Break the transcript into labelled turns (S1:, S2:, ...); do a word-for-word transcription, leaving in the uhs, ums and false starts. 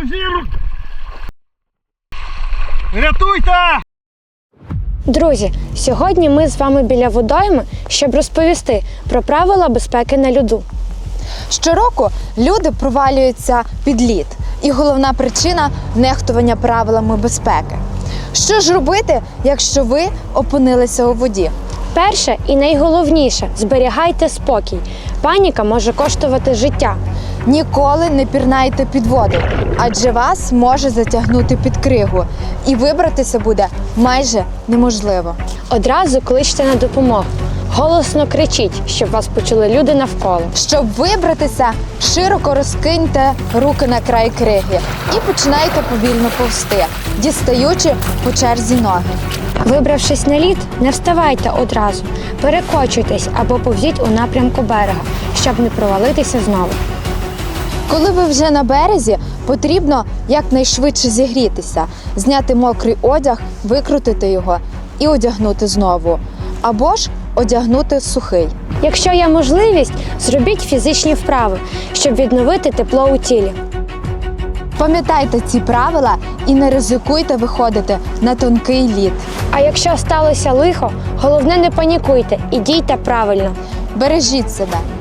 S1: Рятуйте!
S2: Друзі, сьогодні ми з вами біля водойми, щоб розповісти про правила безпеки на льоду.
S3: Щороку люди провалюються під лід. І головна причина – нехтування правилами безпеки. Що ж робити, якщо ви опинилися у воді?
S2: Перше і найголовніше – зберігайте спокій. Паніка може коштувати життя.
S3: Ніколи не пірнайте під воду, адже вас може затягнути під кригу. І вибратися буде майже неможливо.
S2: Одразу кличте на допомогу. Голосно кричіть, щоб вас почули люди навколо.
S3: Щоб вибратися, широко розкиньте руки на край криги і починайте повільно повзти, дістаючи по черзі ноги.
S2: Вибравшись на лід, не вставайте одразу. Перекочуйтесь або повзіть у напрямку берега, щоб не провалитися знову.
S3: Коли ви вже на березі, потрібно якнайшвидше зігрітися, зняти мокрий одяг, викрутити його і одягнути знову. Або ж одягнути сухий.
S2: Якщо є можливість, зробіть фізичні вправи, щоб відновити тепло у тілі.
S3: Пам'ятайте ці правила і не ризикуйте виходити на тонкий лід.
S2: А якщо сталося лихо, головне не панікуйте і дійте правильно.
S3: Бережіть себе.